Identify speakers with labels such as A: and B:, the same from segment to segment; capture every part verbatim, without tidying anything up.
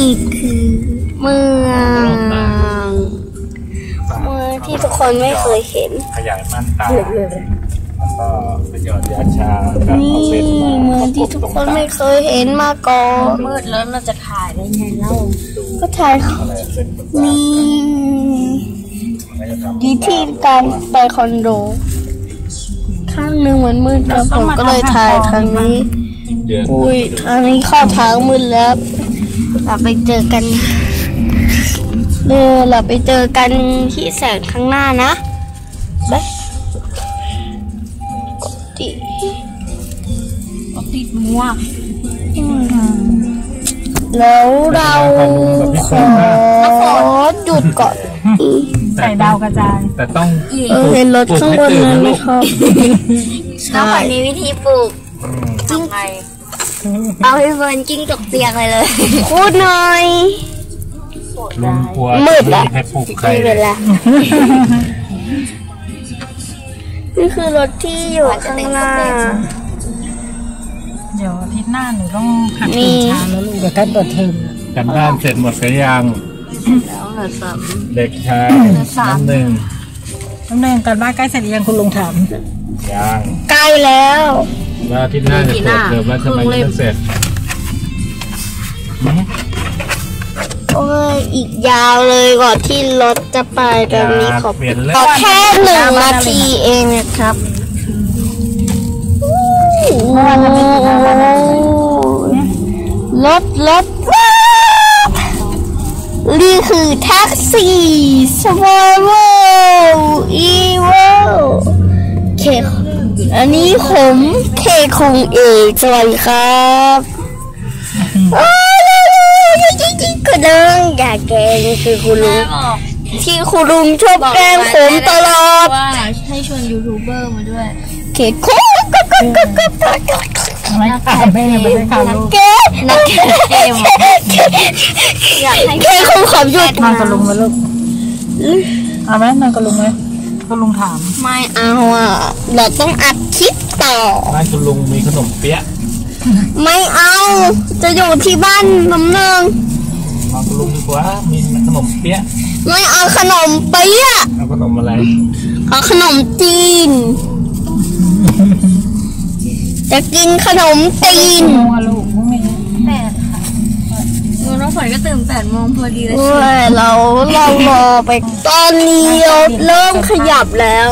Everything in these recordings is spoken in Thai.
A: คือเมืองเมืองที่ทุกคนไม่เคยเห็น
B: ขยายม่านตาแล้วก็ประโยชน์ยาชา
A: นี่เมืองที่ทุกคนไม่เคยเห็นมาก่อน
C: มืดแล้วเราจะถ่ายได้ไงเล่า
A: ก็ถ่ายนี่ดีที่การไปคอนโดข้างหนึ่งมันมืดแล้วผมก็เลยถ่ายทางนี้อุ้ยทางนี้เข้าทางมืดแล้วเราไปเจอกันเออเราไปเจอกันที่แสงข้างหน้านะไปติ
C: ติดมัว
A: แล้วเราขอหยุดก่อน
C: ใส่ดาวกระจาย
B: แต่ต้อง
A: เห็นรถข้างบนนั้นไหมครับ
C: แล้ววันนี้วิธีปลูกทำไงเอาให้เฟิร์นกิ้งตกเตียงเลยเลย
A: พูดหน่อยมืดแล้วไม่เป็นไรนี่คือรถที่อยู่ข้างหน้า
C: เดี๋ยวอาทิตย์หน้าหนูต้องหัดตื่นเช้าแล้วลูกเดี๋ยวใกล้เปิดเทอม
B: กันบ้านเสร็จหมดกันยัง
C: แล้วเหลือสาม
B: เด็กชายน้ำหนึ่ง
C: น้ำหนึ่งกันบ้านใกล้เสร็จยังคุณลุงถาม
B: ยัง
A: ใกล้แล้ว
B: แล้วอาทิตย์หน้าจะเปิดเทอมแล้วทำไมไม่เสร็จ
A: โอ้ยอีกยาวเลยก่อนที่รถจะไปตอนนี้ขอขอแค่หนึ่งนาทีเองนะครับรถรถนี่คือแท็กซี่สวาโวอีโวเคอันนี้ผมเคคงเอกสวัสดีครับจริงๆคุณลุงอย่าแกล้งคือคุณลุงที่คุณลุงชอบแกล้งผมตลอด
C: ว่าให้ชวนยูทูบเบอร์มาด้วย
A: เคคงก็ก็ก็ก็ก็
C: ไม่ขายไม่ไม่ได้ขายลูก
A: เกนักเกมอยากให้เคคงขำหยุด
C: นอนกับลุงไหมลูกเอาไหมนอนกับลุงไหมก็ลุงถาม
A: ไม่เอาอ่ะเราต้องอัดคลิปต่อ
B: บ้านคุณลุงมีขนมเปี๊ยะ
A: ไม่เอาจะอยู่ที่บ้านน้ำเนือง
B: มาคุณลุงดีกว่ามีขนมเปี๊ยะ
A: ไม่เอาขนมเปี๊ยะ
B: เอาขนมอะไร
A: เอาขนมจีนจะกินขนมจีน
C: ลูกไม่แปดค่ะน้องฝนก็ตื่นแปดโมงพอดีเลย
A: เราเรารอไปตอนนี้เราเริ่มขยับแล้ว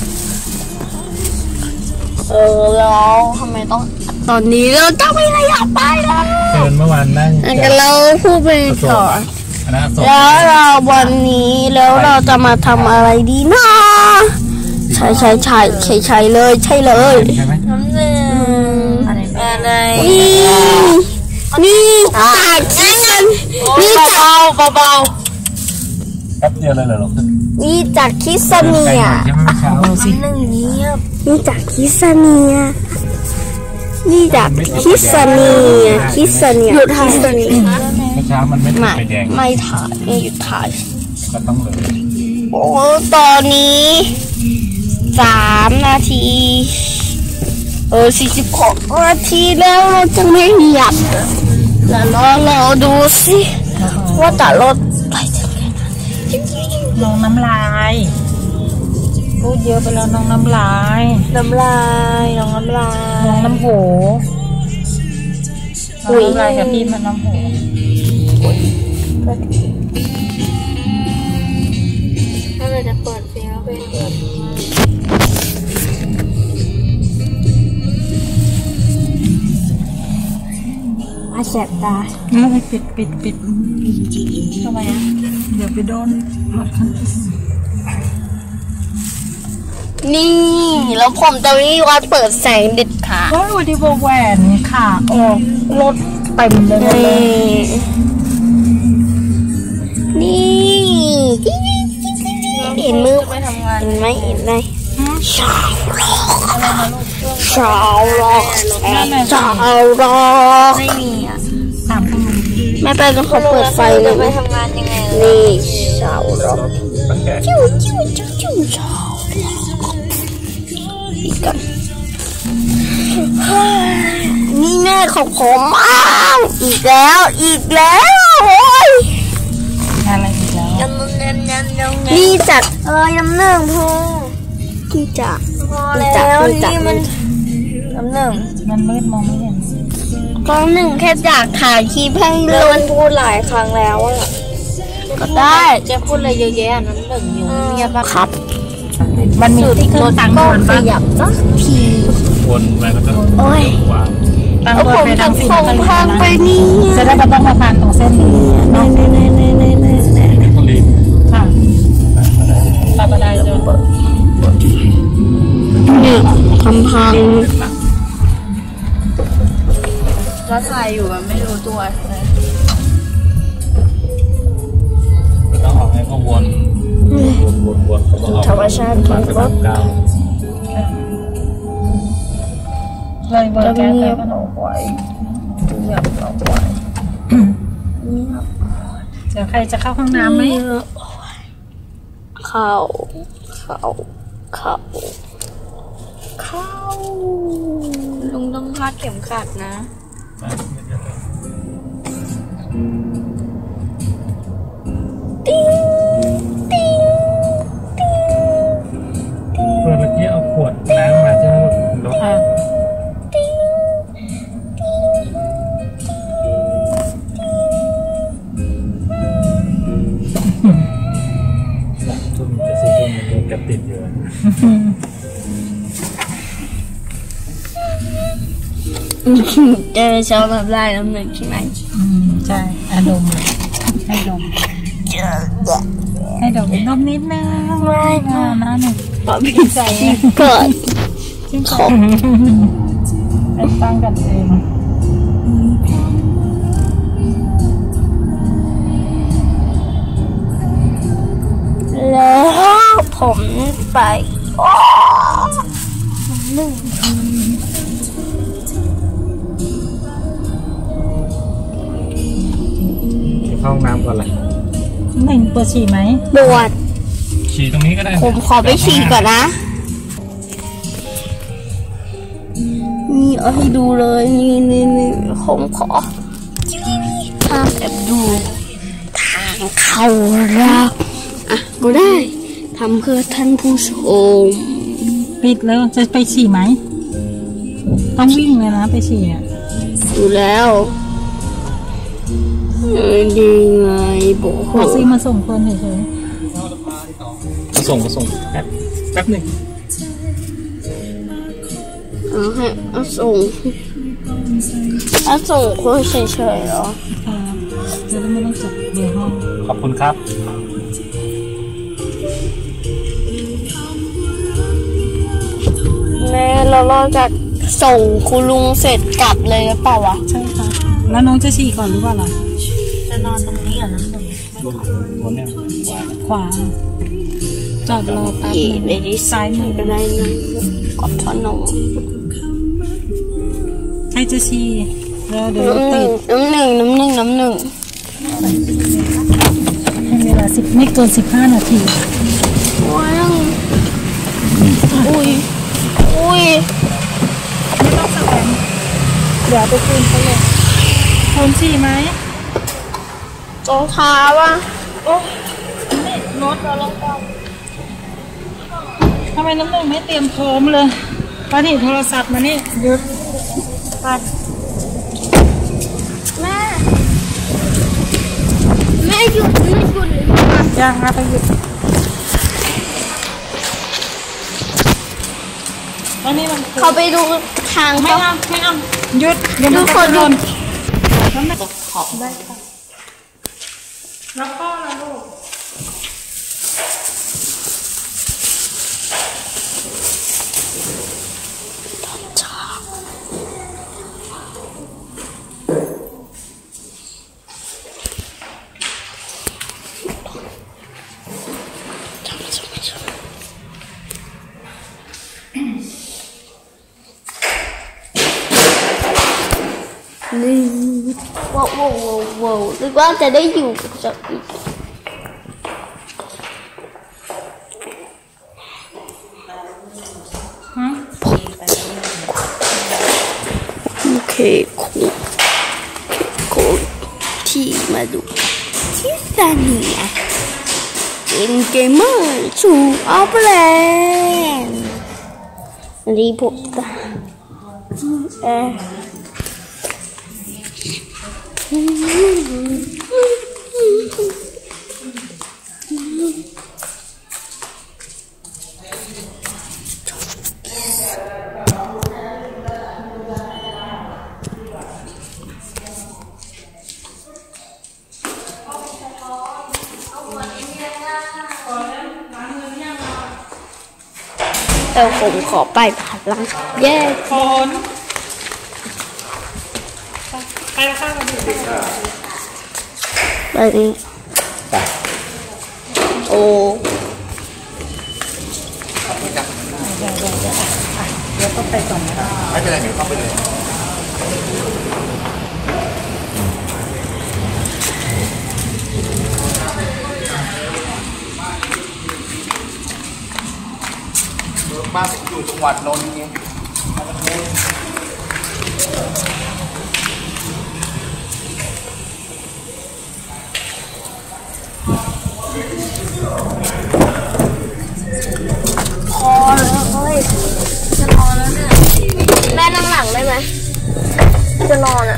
A: เออแล้วทำไมต้องตอนนี้เราจะไม่ขยับไปแล้ว
B: เชิญเมื่อวานนั่ง
A: กันเราพูดไปก่อนแล้วเราวันนี้แล้วเราจะมาทำอะไรดีนะใช่ใช่ใช่ใช่ใช่เลยใช่เลย
C: น้ำหนึ่งอะไร
A: นี่นี่จากคิสนี่จาก
C: เบาเบา
B: แป๊บเดียวเลยเหรอ
A: นี่จากคิสเนีย
C: หนึ่งนี้
A: นี่จากคิสเนียนี่จากคิสเนียคิสเนียหยุดถ่ายคิสเนีย
B: เมื่อเช้ามันไม่ได้ไปแดง
A: ไม่ถ่ายไม่หยุดถ่าย
B: ก็ต้องเลย
A: โอ้ตอนนี้สามนาทีเออสี่สิบหกนาทีแล้วเราจะไม่หยับแล้วรอเราดูสิว่าแต่รถไปถึงไหน
C: น้องน้ำลายพูดเยอะไปแล้วน้องน้ำลาย
A: น้ำลายน้องน้ำลาย
C: น้องน้ำโหน้ำลายกับพี่มันน้ำโห
A: ถ้าเราจะเปิดเพลงแล้วเป็นเปิดอาแสบตา
C: ไม่ปิดปิดปิดทำไมอ่ะเดี๋ยวไปโดน
A: นี่แล้วผมจะไม่วัดเปิดแสงเด็ดขาด
C: ว่าดูที่วงแหวนขาออกรถเต็มเลย
A: นี่เห็นมือไม่ทำงานเห็นไหมเห็นไหมชาวร็อกชาวร็อกชาวร็อก
C: ไม่มีอ่ะถามคุณลุง
A: ไม่ไปต้องเขาเปิดไฟเลย
C: ไม่ทำงานยังไง
A: นี่ชาวร็อกจิ้วจิ้วจิ้วจิ้วชาวอีกกันนี่แม่ของผมอ้าวอีกแล้วอีกแล้วโอ้
C: ำยำยำ
A: นี่จัด
C: เออยำหนึ่งพอ
A: ที่จัด
C: พอแล้วนี่มันยำหนึ่ง
D: มันมืดมองไม่เห็น
A: ก็หนึ่งแค่อยากถ่ายคลิปให้
C: แล้
A: ล
C: ว
A: ง
C: มันพูดหลายครั้งแล้วอะ
A: ก็ได้
C: เจ๊พูดอะไรเยอะแยะน้ำหนึ่งอยู่เงียบ
A: ครับ
D: มันมีที่เครื่องตังค์
C: ก็
D: มัน
C: ข
D: ปะ
C: ยับสักที
B: วนไปก็จะ
A: โอ้ย
B: ขวา
D: ตัง
A: เอา
D: ค์
A: ผม
D: ไป
A: จะ
D: ทางสิ
A: ส่งทางไปนี่
D: จะได้ไม่ต้องมาผ่านตรงเส้นนี้
A: เน่เน่เน่เน่เน่เน่เน่
B: ต้องรีบ
D: ค่ะตาบได้เลย
A: เนี่ยทำพัง
C: แล้วถ่ายอยู่มันไม่รู้ตัวเลย
B: ต้องออกให้เขาวนวนวนวนเขาบอกออก
C: ธรรมชาติ
B: ผ่านไปสามเก้า
D: เลยเบอร์แก๊สแล้วก็
C: เอาไว้เงียบเอาไว้
D: เดี๋ยวใครจะเข้าห้องน้ำไหม
A: เข้าเข้าเข้าเข้า
C: ลุงต้องคาดเข็มขัดนะ
B: เมื่อกี้เอาขวดน้ำมาใช่ไหมรถ
D: ค่ะ
B: ทุ่มจะสี่ทุ่มมันโดนกระติดอยู่
A: เจอชอบแบบไล่น้ำหนึ่งใช่ไหม
D: อืมใช่อารมณ์ให้ดม
A: เจอเด็ก
D: ให้ดมดมนิดนึงไม่นะนะหนึ่ง
A: ปอบพี่ใส่เกิด
D: ชื่นใจไปตั้งกันเอง
A: แล้วผมไปหนึ่ง
B: เข้าห้องน้ำก่อนเลย
D: หนึ่งปวดฉี่ไหม
A: บวช
B: ฉี่ตรงนี้ก็ได้
A: ผมขอไปฉี่ก่อนนะ นี่เอาให้ดูเลยนี่นี่นี่ผมขอทางแอบดูทางเข้าเราอ่ะก็ได้ทำเพื่อท่านผู้ชม
D: ปิดแล้วจะไปฉี่ไหมต้องวิ่งเลยนะไปฉี่อ่ะ
A: อยู่แล้วเออดีไงบอก
D: ขอซื้อมาส่งคนเฉย
B: มาส่งมาส่งแป๊บแป๊บหนึ่ง
A: เอาให้เอาส่งเอาส่งคนเฉยๆเหรอ
D: ๆค่ะจะได้ไม่ต้องจัดเดี๋ยวห้อง
B: ขอบคุณครับ
A: แม่เราเราจะส่งคุณลุงเสร็จกลับเลยหรือเปล่าวะ
D: ใช่ค่ะแล้วน้องจะฉี่ก่อนหรือเปล่าล่ะ
C: จะนอนตรงนี้อ่ะน้ำหนึ่ง
B: วนวนเนี่ย
D: ขวาจอดรอแป๊บ
A: เย่
D: นึง
A: เลยที่ซ้ายมือก็ได้นะกอดพ่อนม
D: ใครจะฉี่แล้วเดี๋ยว
A: น้ำห
D: ติ
A: นึ่ง
D: ด
A: น้ำหนึ่งน้ำหนึ่งน้ำหนึ่ง
D: ให้เวลาสิบไม่เกินสิบห้านาที
A: ว้าวอุ้ยอุ้ย
D: ไม่ต้องสแกนเดี๋ยวไปคืนเขาเลยคนฉี่ไหม
A: รองเท้าว่ะ
D: รถเราลงก่อนทำไมน้ำหนึ่งไม่เตรียมพร้อมเลยป้านี่โทรศัพท์มานี่หยุดไป
A: แม่แม่หยุดไม่หยุดเลย
D: ย่างนะไปหยุดตอนนี้มัน
A: เขาไปดูทาง
D: ไม่
A: เขา
D: เอาไม่เอาหยุดเดี๋ยวมัน
A: ทุ
D: จะ
A: กคน
D: หล่น
A: หยุด
D: น้ำหนักขอบได้ค่ะแล้วก็ละลูก
A: นี่ว้าวว้าวว้าวว้าวหรือว่าจะได้อยู่กับอีก
D: ฮะ
A: โอเคคุณคุณที่มาดูที่ซาเนียเป็นเกมเมอร์สู่อัลแลนด์วันนี้ผมจะเออแต่ผมขอไปผ่านหลังแย่คน
D: ไปแล้วค่ะมาดูค่ะ
A: ไปนี่โอ้
D: เดี๋ยวต้องไปก่อนนะ
B: ไม่เป็นไรเดี๋ยวเข้าไปเลยบ้านอยู่จังหวัดนนท์ไง
C: พอแล้วเฮ้ยจะนอนแล้วเนี่ยแม่นั่งหลังได้ไหมจะนอนอ่ะ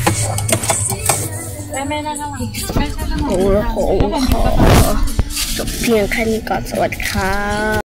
D: แม่แม่นั่งข้างหลังแม่ใช่ข้างหลัง
A: โหผมขอจบเพียงแค่นี้ก่อนสวัสดีครับ